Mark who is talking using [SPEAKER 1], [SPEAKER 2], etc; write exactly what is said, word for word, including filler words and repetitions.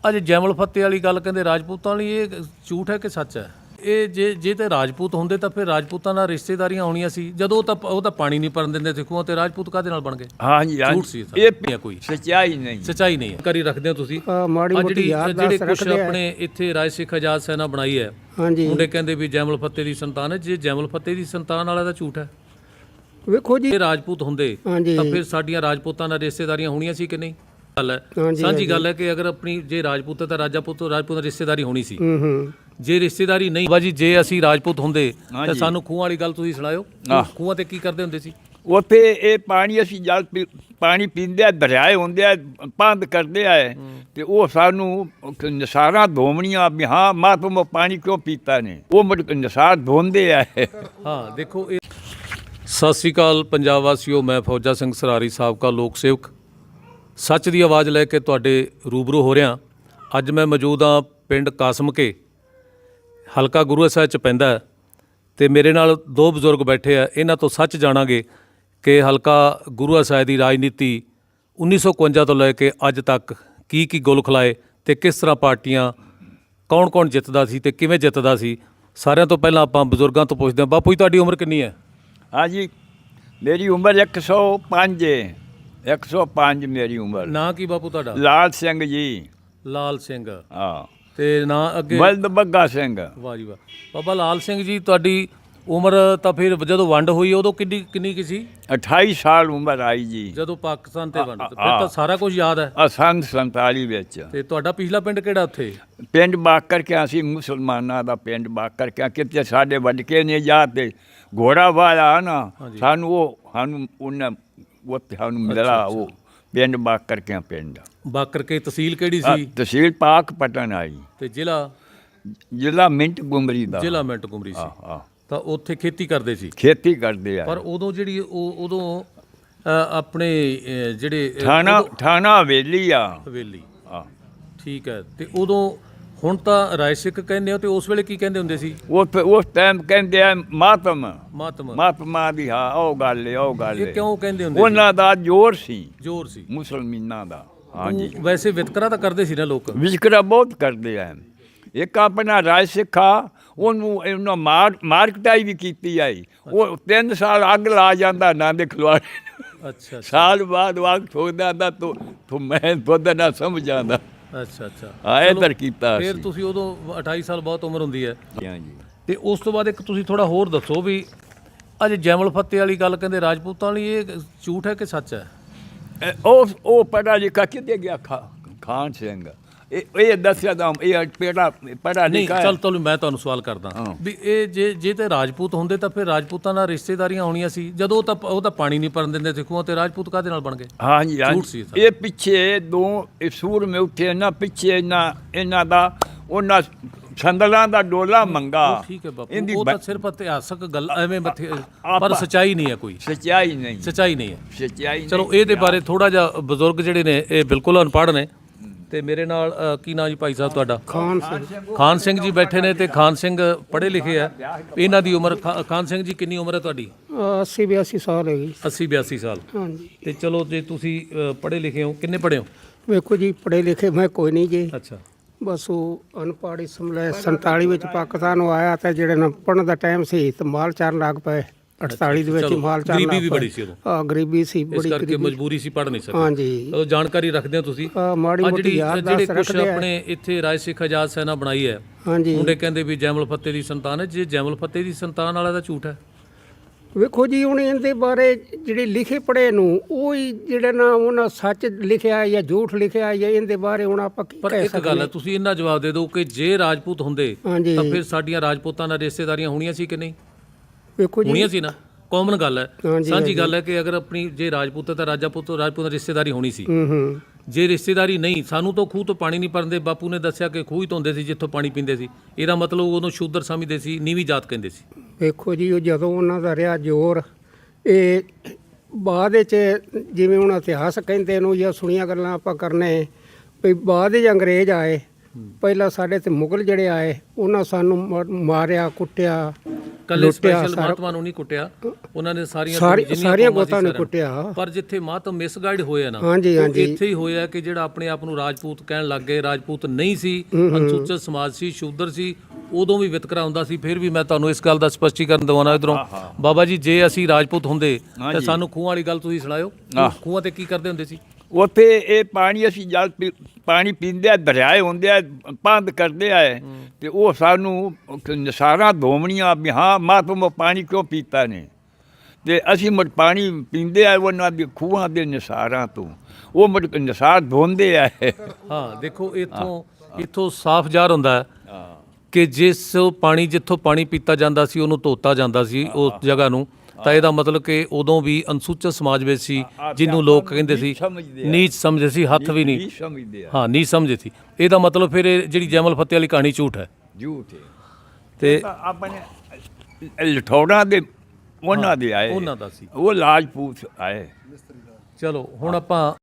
[SPEAKER 1] अजे जैमल फत्ते वाली गल कहते राजपूतों वाली, ये झूठ है कि सच है? ये जे जे ते राजपूत होंदे तां फिर राजपूतां नाल रिश्तेदारियां होणीਆਂ ਸੀ। ਜਦੋਂ ਉਹ ਤਾਂ ਉਹ ਤਾਂ ਪਾਣੀ ਨਹੀਂ ਭਰਨ ਦਿੰਦੇ ਸੀ ਖੂਹਾਂ ਤੇ, ਰਾਜਪੂਤ ਕਾਹਦੇ ਨਾਲ ਬਣ ਗਏ?
[SPEAKER 2] ਹਾਂਜੀ
[SPEAKER 1] ਝੂਠ ਸੀ
[SPEAKER 2] ਹਾਂਜੀ,
[SPEAKER 1] ਇਹ ਕੋਈ
[SPEAKER 2] ਸੱਚਾਈ ਨਹੀਂ,
[SPEAKER 1] ਸੱਚਾਈ ਨਹੀਂ ਹੈ। ਕਰੀ ਰੱਖਦੇ ਹੋ ਤੁਸੀਂ
[SPEAKER 3] ਮਾੜੀ
[SPEAKER 1] ਆਹ
[SPEAKER 3] ਮੋਟੀ
[SPEAKER 1] ਜਿਹੜੀ
[SPEAKER 3] ਯਾਦ
[SPEAKER 1] ਜਿਹੜੇ
[SPEAKER 3] ਦਾਸ
[SPEAKER 1] ਕੁਛ
[SPEAKER 3] ਰੱਖਦੇ ਆ।
[SPEAKER 1] ਆਪਣੇ ਇੱਥੇ ਰਾਜ ਸਿੱਖ ਆਜ਼ਾਦ ਸੈਨਾ ਬਣਾਈ ਹੈ,
[SPEAKER 3] ਹਾਂਜੀ
[SPEAKER 1] ਮੁੰਡੇ ਕਹਿੰਦੇ ਵੀ ਜੈਮਲ ਫੱਤੇ ਦੀ ਸੰਤਾਨ ਹੈ। ਜੇ ਜੈਮਲ ਫੱਤੇ ਦੀ ਸੰਤਾਨ ਵਾਲਾ ਤਾਂ ਝੂਠ ਹੈ।
[SPEAKER 3] ਵੇਖੋ ਜੀ,
[SPEAKER 1] ਇਹ ਰਾਜਪੂਤ ਹੁੰਦੇ
[SPEAKER 3] ਹਾਂਜੀ
[SPEAKER 1] ਤਾਂ ਫਿਰ ਸਾਡੀਆਂ ਰਾਜਪੂਤਾਂ ਨਾਲ ਰਿਸ਼ਤੇਦਾਰੀਆਂ ਹੋਣੀਆਂ ਸੀ ਕਿ ਨਹੀਂ? ਗੱਲ ਹੈ
[SPEAKER 3] ਹਾਂਜੀ,
[SPEAKER 1] ਸਾਂਝੀ ਗੱਲ ਹੈ ਕਿ ਅਗਰ ਆਪਣੀ ਜੇ ਰਾਜਪੂਤ ਹੈ ਤਾਂ ਰਾਜਾਪੂਤ ਰਾਜਪੂਤ ਨਾਲ ਰਿਸ਼ਤੇਦਾਰੀ ਹੋਣੀ ਸੀ।
[SPEAKER 3] ਹੂੰ ਹੂੰ
[SPEAKER 1] ਜੇ ਰਿਸ਼ਤੇਦਾਰੀ ਨਹੀਂ ਬਾਜੀ, ਜੇ ਅਸੀਂ ਰਾਜਪੂਤ ਹੁੰਦੇ ਤਾਂ
[SPEAKER 2] ਹਾਂਜੀ।
[SPEAKER 1] ਸਾਨੂੰ ਖੂਹਾਂ ਵਾਲੀ ਗੱਲ ਤੁਸੀਂ ਸੁਣਾਇਓ।
[SPEAKER 2] ਆਹ।
[SPEAKER 1] ਖੂਹਾਂ ਤੇ ਕੀ ਕਰਦੇ ਹੁੰਦੇ ਸੀ?
[SPEAKER 2] ਉੱਥੇ ਇਹ ਪਾਣੀ ਅਸੀਂ ਜਲ ਪੀ- ਪਾਣੀ ਪੀਂਦੇ ਆ, ਦਰਿਆਏ ਹੁੰਦੇ ਆ, ਬੰਦ ਕਰਦੇ ਆ ਤੇ ਉਹ ਸਾਨੂੰ ਨਸਾਰਾਂ ਧੋਵਣੀਆਂ ਵੀ ਹਾਂ ਮਾਂ ਤੁਮ ਪਾਣੀ ਕਿਉਂ ਪੀਤਾ ਨੇ, ਉਹ ਮੁੜ ਕੇ ਨਸਾਰ ਧੋਂਦੇ ਆ।
[SPEAKER 1] ਹਾਂ ਦੇਖੋ ਇਹ। ਸਤਿ ਸ੍ਰੀ ਅਕਾਲ ਪੰਜਾਬ ਵਾਸੀਓ, ਮੈਂ ਫੌਜਾ ਸਿੰਘ ਸਰਾਰੀ, ਸਾਬਕਾ ਲੋਕ ਸੇਵਕ, ਸੱਚ ਦੀ ਆਵਾਜ਼ ਲੈ ਕੇ ਤੁਹਾਡੇ ਰੂਬਰੂ ਹੋ ਰਿਹਾ। ਅੱਜ ਮੈਂ ਮੌਜੂਦ ਹਾਂ ਪਿੰਡ ਕਾਸਮਕੇ, ਹਲਕਾ ਗੁਰੂ ਸਾਹਿਬ ਚ ਪੈਂਦਾ, ਤੇ ਮੇਰੇ ਨਾਲ ਦੋ ਬਜ਼ੁਰਗ ਬੈਠੇ ਆ। ਇਹਨਾਂ ਤੋਂ ਸੱਚ ਜਾਣਾਂਗੇ ਕਿ ਹਲਕਾ ਗੁਰੂ ਸਾਹਿਬ ਦੀ ਰਾਜਨੀਤੀ ਉੱਨੀ ਸੌ ਇਕਵੰਜਾ ਤੋਂ ਲੈ ਕੇ ਅੱਜ ਤੱਕ ਕੀ ਕੀ ਗੁਲ ਖਲਾਏ ਤੇ ਕਿਸ ਤਰ੍ਹਾਂ ਪਾਰਟੀਆਂ, ਕੌਣ ਕੌਣ ਜਿੱਤਦਾ ਸੀ ਤੇ ਕਿਵੇਂ ਜਿੱਤਦਾ ਸੀ। ਸਾਰਿਆਂ ਤੋਂ ਪਹਿਲਾਂ ਆਪਾਂ ਬਜ਼ੁਰਗਾਂ ਤੋਂ ਪੁੱਛਦੇ ਹਾਂ। ਬਾਪੂ ਜੀ ਤੁਹਾਡੀ ਉਮਰ ਕਿੰਨੀ ਹੈ?
[SPEAKER 2] ਹਾਂਜੀ, ਮੇਰੀ ਉਮਰ ਇੱਕ ਸੌ ਪੰਜ ਹੈ, ਇੱਕ ਸੌ ਪੰਜ ਮੇਰੀ ਉਮਰ।
[SPEAKER 1] ਨਾਂ ਕੀ ਬਾਪੂ ਤੁਹਾਡਾ?
[SPEAKER 2] ਲਾਲ ਸਿੰਘ ਜੀ।
[SPEAKER 1] ਲਾਲ ਸਿੰਘ।
[SPEAKER 2] ਹਾਂ,
[SPEAKER 1] ਤੇ ਨਾਂ ਅੱਗੇ?
[SPEAKER 2] ਬਲਦ ਬੱਗਾ ਸਿੰਘ।
[SPEAKER 1] ਵਾਹ ਜੀ ਵਾਹ। ਬਾਬਾ ਲਾਲ ਸਿੰਘ ਜੀ, ਤੁਹਾਡੀ ਉਮਰ ਤਾਂ ਫਿਰ ਜਦੋਂ ਵੰਡ ਹੋਈ ਉਦੋਂ ਕਿੰਨੀ ਕਿੰਨੀ ਕੀ ਸੀ?
[SPEAKER 2] ਅਠਾਈ ਸਾਲ ਉਮਰ ਆਈ ਜੀ,
[SPEAKER 1] ਜਦੋਂ ਪਾਕਿਸਤਾਨ ਤੇ ਵੰਡ,
[SPEAKER 2] ਆ-
[SPEAKER 1] ਫਿਰ ਤਾਂ
[SPEAKER 2] ਆ।
[SPEAKER 1] ਸਾਰਾ ਕੁਝ ਯਾਦ ਹੈ।
[SPEAKER 2] ਆ ਸੰਨ ਸੰਤਾਲੀ ਵਿੱਚ।
[SPEAKER 1] ਤੇ ਤੁਹਾਡਾ ਪਿਛਲਾ ਪਿੰਡ ਕਿਹੜਾ ਉੱਥੇ?
[SPEAKER 2] ਪਿੰਡ ਬਾਕਰ ਕਿਆ ਸੀ, ਮੁਸਲਮਾਨਾਂ ਦਾ ਪਿੰਡ ਬਾਕਰ ਕਿਆ। ਕਿਤੇ ਸਾਡੇ ਵਡਕੇ ਨੇ ਜਾ ਤੇ ਘੋੜਾ ਵਾਲਾ ਨਾ,
[SPEAKER 1] ਹਾਂਜੀ।
[SPEAKER 2] ਸਾਨੂੰ ਉਹ ਸਾਨੂੰ ਉਹਨਾਂ ਉੱਥੇ ਸਾਨੂੰ ਮਿਲਿਆ ਉਹ ਪਿੰਡ ਬਾਕਰ ਕਿਆ ਪਿੰਡ।
[SPEAKER 1] ਬਾਕਰ ਕੇ ਤਹਿਸੀਲ ਕਿਹੜੀ
[SPEAKER 2] ਆ,
[SPEAKER 1] ਸੀ?
[SPEAKER 2] ਤਹਿਸੀਲ ਪਾਕ ਪਟਨ ਆਈ,
[SPEAKER 1] ਤੇ ਜ਼ਿਲ੍ਹਾ?
[SPEAKER 2] ਜ਼ਿਲ੍ਹਾ ਮਿੰਟ ਗੁਮਰੀ ਦਾ।
[SPEAKER 1] ਜ਼ਿਲ੍ਹਾ ਮਿੰਟ ਕੁਮਰੀ ਸੀ।
[SPEAKER 2] ਆ ਆ
[SPEAKER 1] ਤਾਂ ਉੱਥੇ ਖੇਤੀ ਕਰਦੇ ਸੀ।
[SPEAKER 2] ਖੇਤੀ ਕਰਦੇ ਆ।
[SPEAKER 1] ਪਰ ਉਦੋਂ ਜਿਹੜੀ ਉਹ ਉਦੋਂ ਅ, ਆਪਣੇ ਅ, ਜਿਹੜੇ ਅ,
[SPEAKER 2] ਥਾਣਾ
[SPEAKER 1] ਉਦੋਂ-
[SPEAKER 2] ਥਾਣਾ ਹਵੇਲੀ ਆ।
[SPEAKER 1] ਹਵੇਲੀ।
[SPEAKER 2] ਆ
[SPEAKER 1] ਠੀਕ ਹੈ। ਤੇ ਉਦੋਂ ਹੁਣ ਤਾਂ ਰਾਜ ਸਿੱਖ ਕਹਿੰਦੇ ਹੋ, ਤੇ ਉਸ ਵੇਲੇ ਕੀ ਕਹਿੰਦੇ ਹੁੰਦੇ ਸੀ?
[SPEAKER 2] ਉਸ ਉਸ ਟਾਈਮ ਕਹਿੰਦੇ ਆ ਮਾਤਮ
[SPEAKER 1] ਮਾਤਮ।
[SPEAKER 2] ਮਾਤਮਾ ਦੀ। ਹਾਂ, ਉਹ ਗੱਲ ਏ, ਉਹ ਗੱਲ
[SPEAKER 1] ਇਹ
[SPEAKER 2] ਏ।
[SPEAKER 1] ਕਿਉਂ ਕਹਿੰਦੇ ਹੁੰਦੇ ਸੀ?
[SPEAKER 2] ਉਹਨਾਂ ਦਾ ਜ਼ੋਰ ਸੀ,
[SPEAKER 1] ਜ਼ੋਰ ਸੀ।
[SPEAKER 2] ਮੁਸਲਮਾਨਾਂ ਦਾ। ਹਾਂਜੀ,
[SPEAKER 1] ਉਹ ਵੈਸੇ ਵਿਤਕਰਾ ਤਾਂ ਕਰਦੇ ਸੀ ਨਾ ਲੋਕ।
[SPEAKER 2] ਵਿਤਕਰਾ ਬਹੁਤ ਕਰਦੇ ਆ। ਇੱਕ ਆਪਣਾ ਰਾਜ ਸਿੱਖਾ, ਉਹਨੂੰ ਉਹਨਾਂ ਮਾਰ ਮਾਰ ਕੁਟਾਈ ਵੀ ਕੀਤੀ ਆਈ। ਉਹ ਤਿੰਨ ਸਾਲ ਅੱਗ ਲਾ ਜਾਂਦਾ ਨਾ ਦੇ ਖਲਵਾੜੇ।
[SPEAKER 1] ਅੱਛਾ
[SPEAKER 2] ਸਾਲ ਬਾਅਦ ਵਾਗ ਠੋਕਦਾ ਆਂਦਾ ਤੂੰ ਤੂੰ ਮੈਂ ਖੁਦ ਨਾ ਸਮਝ ਆਂਦਾ।
[SPEAKER 1] ਅੱਛਾ ਅੱਛਾ।
[SPEAKER 2] ਆ ਇੱਧਰ ਕੀਤਾ
[SPEAKER 1] ਫਿਰ
[SPEAKER 2] ਸੀ।
[SPEAKER 1] ਤੁਸੀਂ ਉਦੋਂ ਅਠਾਈ ਸਾਲ ਬਹੁਤ ਉਮਰ ਹੁੰਦੀ ਹੈ।
[SPEAKER 2] ਹਾਂਜੀ,
[SPEAKER 1] ਤੇ ਉਸ ਤੋਂ ਬਾਅਦ ਇੱਕ ਤੁਸੀਂ ਥੋੜਾ ਹੋਰ ਦੱਸੋ ਵੀ ਅਜੇ ਜੈਮਲ ਫੱਤੇ ਵਾਲੀ ਗੱਲ ਕਹਿੰਦੇ ਰਾਜਪੂਤਾਂ ਵਾਲੀ, ਇਹ ਝੂਠ ਹੈ ਕਿ ਸੱਚ ਹੈ?
[SPEAKER 2] ਇਹ ਉਹ ਉਹ ਪੜ੍ਹਾ ਲਿਖਾ ਕਿਤੇ ਗਿਆ? ਖਾ- ਖਾਨ ਸਿੰਘ। ਇਹ ਇਹ ਦੱਸਿਆ ਤਾਂ ਇਹ ਪੇੜਾ ਪੜ੍ਹਾ
[SPEAKER 1] ਨਹੀਂ,
[SPEAKER 2] ਲਿਖਾ ਹੈ।
[SPEAKER 1] ਚੱਲ ਤੁਹਾਨੂੰ ਮੈਂ ਤੁਹਾਨੂੰ ਸਵਾਲ ਕਰਦਾ
[SPEAKER 2] ਹਾਂ।
[SPEAKER 1] ਵੀ ਇਹ ਜੇ ਜੇ ਤੇ ਰਾਜਪੂਤ ਹੁੰਦੇ ਤਾਂ ਫਿਰ ਰਾਜਪੂਤਾਂ ਨਾਲ ਰਿਸ਼ਤੇਦਾਰੀਆਂ ਹੋਣੀਆਂ ਸੀ। ਜਦੋਂ ਉਹ ਤਾਂ ਉਹ ਤਾਂ ਪਾਣੀ ਨਹੀਂ ਭਰਨ ਦਿੰਦੇ ਸੀ ਖੂਹਾਂ ਤੇ, ਰਾਜਪੂਤ ਕਾਹਦੇ ਨਾਲ ਬਣ ਗਏ?
[SPEAKER 2] ਹਾਂਜੀ
[SPEAKER 1] ਝੂਠ ਸੀ
[SPEAKER 2] ਹਾਂਜੀ,
[SPEAKER 1] ਇਹ
[SPEAKER 2] ਇਹ ਪਿੱਛੇ ਦੋ ਇਹ ਸੂਰ ਮੇ ਉੱਠੇ ਨਾ, ਪਿੱਛੇ ਇਹਨਾਂ ਇਹਨਾਂ ਦਾ ਉਹਨਾਂ ਸੰਦਲਾਂ ਦਾ ਡੋਲਾ ਮੰਗਾ।
[SPEAKER 1] ਉਹ ਠੀਕ ਹੈ ਬਾਪੂ,
[SPEAKER 2] ਇਹਦੀ
[SPEAKER 1] ਉਹ
[SPEAKER 2] ਬ-
[SPEAKER 1] ਤਾਂ ਸਿਰਫ ਇਤਿਹਾਸਕ ਗੱਲ ਐਵੇਂ ਮੱਥੇ, ਪਰ
[SPEAKER 2] ਆਪਾਂ-
[SPEAKER 1] ਸੱਚਾਈ ਨਹੀਂ ਹੈ ਕੋਈ।
[SPEAKER 2] ਸੱਚਾਈ ਨਹੀਂ,
[SPEAKER 1] ਸੱਚਾਈ ਨਹੀਂ ਹੈ।
[SPEAKER 2] ਸੱਚਾਈ
[SPEAKER 1] ਚਲੋ
[SPEAKER 2] ਨਹੀਂ।
[SPEAKER 1] ਇਹਦੇ ਬਾਰੇ ਥੋੜਾ ਜਿਹਾ ਬਜ਼ੁਰਗ ਜਿਹੜੇ ਨੇ ਇਹ ਬਿਲਕੁਲ ਅਨਪੜ੍ਹ ਨੇ। ਤੇ ਮੇਰੇ ਨਾਲ ਅ, ਕੀ ਨਾਂ ਜੀ ਭਾਈ ਸਾਹਿਬ ਤੁਹਾਡਾ?
[SPEAKER 3] ਖਾਨ ਸਿੰਘ।
[SPEAKER 1] ਖਾਨ ਸਿੰਘ ਜੀ ਬੈਠੇ ਨੇ, ਤੇ ਖਾਨ ਸਿੰਘ ਪੜ੍ਹੇ ਲਿਖੇ ਆ। ਇਹਨਾਂ ਦੀ ਉਮਰ, ਖਾ- ਖਾਨ ਸਿੰਘ ਜੀ ਕਿੰਨੀ ਉਮਰ ਹੈ ਤੁਹਾਡੀ?
[SPEAKER 3] ਅੱਸੀ ਬਿਆਸੀ ਸਾਲ ਹੈਗੀ।
[SPEAKER 1] ਅੱਸੀ ਬਿਆਸੀ ਸਾਲ।
[SPEAKER 3] ਹਾਂਜੀ,
[SPEAKER 1] ਤੇ ਚਲੋ ਜੇ ਤੁਸੀਂ ਅ, ਪੜ੍ਹੇ ਲਿਖੇ ਹੋ, ਕਿੰਨੇ ਪੜ੍ਹੇ ਹੋ?
[SPEAKER 3] ਵੇਖੋ ਜੀ, ਪੜ੍ਹੇ ਲਿਖੇ ਮੈਂ ਕੋਈ ਨਹੀਂ ਜੀ।
[SPEAKER 1] ਅੱਛਾ।
[SPEAKER 3] ਬਸ ਉਹ ਅਨਪੜ੍ਹ ਇਸਮਲੇ ਸੰਤਾਲੀ ਵਿੱਚ ਪਾਕਿਸਤਾਨ ਨੂੰ ਆਇਆ ਤੇ ਜਿਹੜੇ ਨਾ ਪੜ੍ਹਨ ਦਾ ਟਾਈਮ ਸੀ ਤੇ ਮਾਲ ਚਾਰਨ ਲੱਗ ਪਏ। ਅਠਤਾਲੀ ਦੇ ਵਿੱਚ ਹੀ
[SPEAKER 1] ਚਲੋ,
[SPEAKER 3] ਮਾਲ ਚਾਰਨ
[SPEAKER 1] ਗਰੀਬੀ
[SPEAKER 3] ਲੱਗ
[SPEAKER 1] ਵੀ
[SPEAKER 3] ਪਏ।
[SPEAKER 1] ਬੜੀ ਸੀ ਉਦੋਂ।
[SPEAKER 3] ਹਾਂ, ਗਰੀਬੀ ਸੀ
[SPEAKER 1] ਇਸ
[SPEAKER 3] ਬੜੀ
[SPEAKER 1] ਕਰਕੇ
[SPEAKER 3] ਗਰੀਬੀ।
[SPEAKER 1] ਮਜਬੂਰੀ ਸੀ, ਪੜ੍ਹ ਨਹੀਂ ਸਕੇ।
[SPEAKER 3] ਹਾਂਜੀ,
[SPEAKER 1] ਚਲੋ ਜਾਣਕਾਰੀ ਰੱਖਦੇ ਹੋ ਤੁਸੀਂ।
[SPEAKER 3] ਆਹ ਮਾੜੀ
[SPEAKER 1] ਆਹ
[SPEAKER 3] ਮੋਟੀ
[SPEAKER 1] ਜਿਹੜੀ
[SPEAKER 3] ਯਾਦ
[SPEAKER 1] ਜਿਹੜੇ
[SPEAKER 3] ਦਾਸ
[SPEAKER 1] ਕੁਛ
[SPEAKER 3] ਰੱਖਦੇ ਆ।
[SPEAKER 1] ਆਪਣੇ ਇੱਥੇ ਰਾਜ ਸਿੱਖ ਆਜ਼ਾਦ ਸੈਨਾ ਬਣਾਈ ਹੈ,
[SPEAKER 3] ਹਾਂਜੀ,
[SPEAKER 1] ਮੁੰਡੇ ਕਹਿੰਦੇ ਵੀ ਜੈਮਲ ਫੱਤੇ ਦੀ ਸੰਤਾਨ ਹੈ। ਜੇ ਜੈਮਲ ਫੱਤੇ ਦੀ ਸੰਤਾਨ ਵਾਲਾ ਤਾਂ ਝੂਠ ਹੈ।
[SPEAKER 3] ਵੇਖੋ ਜੀ, ਹੁਣ ਇਹਦੇ ਬਾਰੇ ਜਿਹੜੇ ਲਿਖੇ ਪੜ੍ਹੇ ਨੂੰ ਉਹ ਹੀ ਜਿਹੜੇ ਨਾ ਉਹਨਾਂ ਸੱਚ ਲਿਖਿਆ ਜਾਂ ਝੂਠ ਲਿਖਿਆ ਜਾਂ ਇਹਦੇ ਬਾਰੇ ਹੁਣ ਆਪਾਂ ਕੀ
[SPEAKER 1] ਪਰ
[SPEAKER 3] ਕਹਿ
[SPEAKER 1] ਇੱਕ
[SPEAKER 3] ਸਕਦੇ
[SPEAKER 1] ਗੱਲ ਹੈ,
[SPEAKER 3] ਹਾਂ।
[SPEAKER 1] ਤੁਸੀਂ ਇਹਨਾਂ ਜਵਾਬ ਦੇ ਦਿਓ ਕਿ ਜੇ ਰਾਜਪੂਤ ਹੁੰਦੇ
[SPEAKER 3] ਹਾਂਜੀ,
[SPEAKER 1] ਤਾਂ ਫਿਰ ਸਾਡੀਆਂ ਰਾਜਪੂਤਾਂ ਨਾਲ ਰਿਸ਼ਤੇਦਾਰੀਆਂ ਹੋਣੀਆਂ ਸੀ ਕਿ ਨਹੀਂ?
[SPEAKER 3] ਵੇਖੋ
[SPEAKER 1] ਹੋਣੀਆਂ
[SPEAKER 3] ਜੀ,
[SPEAKER 1] ਸੀ ਨਾ। ਕਾਮਨ ਗੱਲ ਹੈ,
[SPEAKER 3] ਹਾਂਜੀ,
[SPEAKER 1] ਸਾਂਝੀ ਗੱਲ ਹੈ ਕਿ ਅਗਰ ਆਪਣੀ ਜੇ ਰਾਜਪੂਤ ਹੈ ਤਾਂ ਰਾਜਾਪੂਤ ਰਾਜਪੂਤ ਨਾਲ ਰਿਸ਼ਤੇਦਾਰੀ ਹੋਣੀ ਸੀ।
[SPEAKER 3] ਹੂੰ ਹੂੰ
[SPEAKER 1] ਜੇ ਰਿਸ਼ਤੇਦਾਰੀ ਨਹੀਂ, ਸਾਨੂੰ ਤਾਂ ਖੂਹ ਤੋਂ ਪਾਣੀ ਨਹੀਂ ਭਰਦੇ। ਬਾਪੂ ਨੇ ਦੱਸਿਆ ਕਿ ਖੂਹ ਹੀ ਧੋਂਦੇ ਸੀ ਜਿੱਥੋਂ ਪਾਣੀ ਪੀਂਦੇ ਸੀ। ਇਹਦਾ ਮਤਲਬ ਉਹਨੂੰ ਸ਼ੂਦਰ ਸਮਝਦੇ ਸੀ, ਨੀਵੀਂ ਜਾਤ ਕਹਿੰਦੇ ਸੀ।
[SPEAKER 3] ਵੇਖੋ ਜੀ, ਉਹ ਜਦੋਂ ਉਹਨਾਂ ਦਾ ਰਿਹਾ ਜ਼ੋਰ, ਇਹ ਬਾਅਦ ਵਿੱਚ ਜਿਵੇਂ ਹੁਣ ਇਤਿਹਾਸ ਕਹਿੰਦੇ ਨੂੰ ਜਾਂ ਸੁਣੀਆਂ ਗੱਲਾਂ ਆਪਾਂ ਕਰਨੇ ਵੀ ਬਾਅਦ ਵਿੱਚ ਅੰਗਰੇਜ਼ ਆਏ। ਪਹਿਲਾਂ ਸਾਡੇ ਤੇ ਮੁਗਲ ਜਿਹੜੇ ਆਏ, ਉਹਨਾਂ ਸਾਨੂੰ ਮ- ਮਾਰਿਆ ਕੁੱਟਿਆ
[SPEAKER 1] ਕੱਲੇ
[SPEAKER 3] ਲੁੱਟਿਆ
[SPEAKER 1] ਸਪੈਸ਼ਲ
[SPEAKER 3] ਸਾਰਾ-
[SPEAKER 1] ਮਹਾਤਮਾ ਨੂੰ ਨਹੀਂ ਕੁੱਟਿਆ, ਉਹਨਾਂ ਨੇ ਸਾਰੀਆਂ
[SPEAKER 3] ਸਾਰੀ-
[SPEAKER 1] ਜਿੰਨੀਆਂ
[SPEAKER 3] ਸਾਰੀਆਂ
[SPEAKER 1] ਕੌਮਾਂ ਸੀ
[SPEAKER 3] ਗੋਤਾਂ ਨੂੰ
[SPEAKER 1] ਸਾਰਿਆਂ
[SPEAKER 3] ਕੁੱਟਿਆ।
[SPEAKER 1] ਪਰ ਜਿੱਥੇ ਮਹਾਤਮ ਮਿਸਗਾਈਡ ਹੋਇਆ ਨਾ,
[SPEAKER 3] ਹਾਂਜੀ,
[SPEAKER 1] ਉਹ
[SPEAKER 3] ਹਾਂਜੀ।
[SPEAKER 1] ਇੱਥੇ ਹੀ ਹੋਇਆ ਕਿ ਜਿਹੜਾ ਆਪਣੇ ਆਪ ਨੂੰ ਰਾਜਪੂਤ ਕਹਿਣ ਲੱਗ ਗਏ, ਰਾਜਪੂਤ ਨਹੀਂ ਸੀ, ਅਨੁਸੂਚਿਤ ਸਮਾਜ ਸੀ, ਸ਼ੂਦਰ ਸੀ, ਉਦੋਂ ਵੀ ਵਿਤਕਰਾ ਹੁੰਦਾ ਸੀ। ਫਿਰ ਵੀ ਮੈਂ ਤੁਹਾਨੂੰ ਇਸ ਗੱਲ ਦਾ ਸਪਸ਼ਟੀਕਰਨ ਦਵਾਉਣਾ ਇਧਰੋਂ, ਬਾਬਾ ਜੀ ਜੇ ਅਸੀਂ ਰਾਜਪੂਤ ਹੁੰਦੇ ਤਾਂ
[SPEAKER 2] ਹਾਂਜੀ।
[SPEAKER 1] ਸਾਨੂੰ ਖੂਹਾਂ ਵਾਲੀ ਗੱਲ ਤੁਸੀਂ ਸੁਣਾਇਓ।
[SPEAKER 2] ਆਹ।
[SPEAKER 1] ਖੂਹਾਂ ਤੇ ਕੀ ਕਰਦੇ ਹੁੰਦੇ ਸੀ?
[SPEAKER 2] ਉੱਥੇ ਇਹ ਪਾਣੀ ਅਸੀਂ ਜਲ ਪੀ- ਪਾਣੀ ਪੀਂਦੇ ਆ, ਦਰਿਆਏ ਹੁੰਦੇ ਆ, ਬੰਦ ਕਰਦੇ ਆ, ਤੇ ਉਹ ਸਾਨੂੰ ਨਸਾਰਾਂ ਧੋਵਣੀਆਂ ਵੀ ਹਾਂ ਮਹਾਤਮਾ ਪਾਣੀ ਕਿਉਂ ਪੀਤਾ ਨੇ, ਤੇ ਅਸੀਂ ਮੁੜ ਪਾਣੀ ਪੀਂਦੇ ਆ ਉਹਨਾਂ ਦੇ ਖੂਹਾਂ ਦੇ ਨਸਾਰਾਂ ਤੋਂ, ਉਹ ਮੁੜ ਨਸਾਰ ਧੋਂਦੇ ਆ।
[SPEAKER 1] ਹਾਂ ਦੇਖੋ, ਇੱਥੋਂ ਇੱਥੋਂ ਸਾਫ਼ ਜ਼ਾਹਰ ਹੁੰਦਾ ਹੈ ਕਿ ਜਿਸ ਪਾਣੀ ਜਿੱਥੋਂ ਪਾਣੀ ਪੀਤਾ ਜਾਂਦਾ ਸੀ ਉਹਨੂੰ ਧੋਤਾ ਜਾਂਦਾ ਸੀ ਉਸ ਜਗ੍ਹਾ ਨੂੰ, ਤਾਂ ਇਹਦਾ ਮਤਲਬ ਕਿ ਉਦੋਂ ਵੀ ਅਨੁਸੂਚਿਤ ਸਮਾਜ ਵਿੱਚ ਸੀ, ਜਿਹਨੂੰ ਲੋਕ ਕਹਿੰਦੇ ਸੀ
[SPEAKER 2] ਨੀਚ ਸਮਝਦੇ ਆ।
[SPEAKER 1] ਨੀਚ ਸਮਝਦੇ ਸੀ, ਹੱਥ ਵੀ ਨਹੀਂ,
[SPEAKER 2] ਸਮਝਦੇ ਆ,
[SPEAKER 1] ਹਾਂ ਨਹੀਂ ਸਮਝਦੇ ਸੀ। ਇਹਦਾ ਮਤਲਬ ਫਿਰ ਇਹ ਜਿਹੜੀ ਜੈਮਲ ਫਤਿਹ ਵਾਲੀ ਕਹਾਣੀ ਝੂਠ ਹੈ।
[SPEAKER 2] ਝੂਠ ਹੈ।
[SPEAKER 1] ਤੇ
[SPEAKER 2] ਤਾਂ ਆਪਣੇ ਲਠੌੜਾਂ ਦੇ ਉਹਨਾਂ ਦੇ ਆਏ,
[SPEAKER 1] ਉਹਨਾਂ ਦਾ ਸੀ।
[SPEAKER 2] ਉਹ ਲਾਜਪੂਤ ਆਏ।
[SPEAKER 1] ਚਲੋ ਹੁਣ ਆਪਾਂ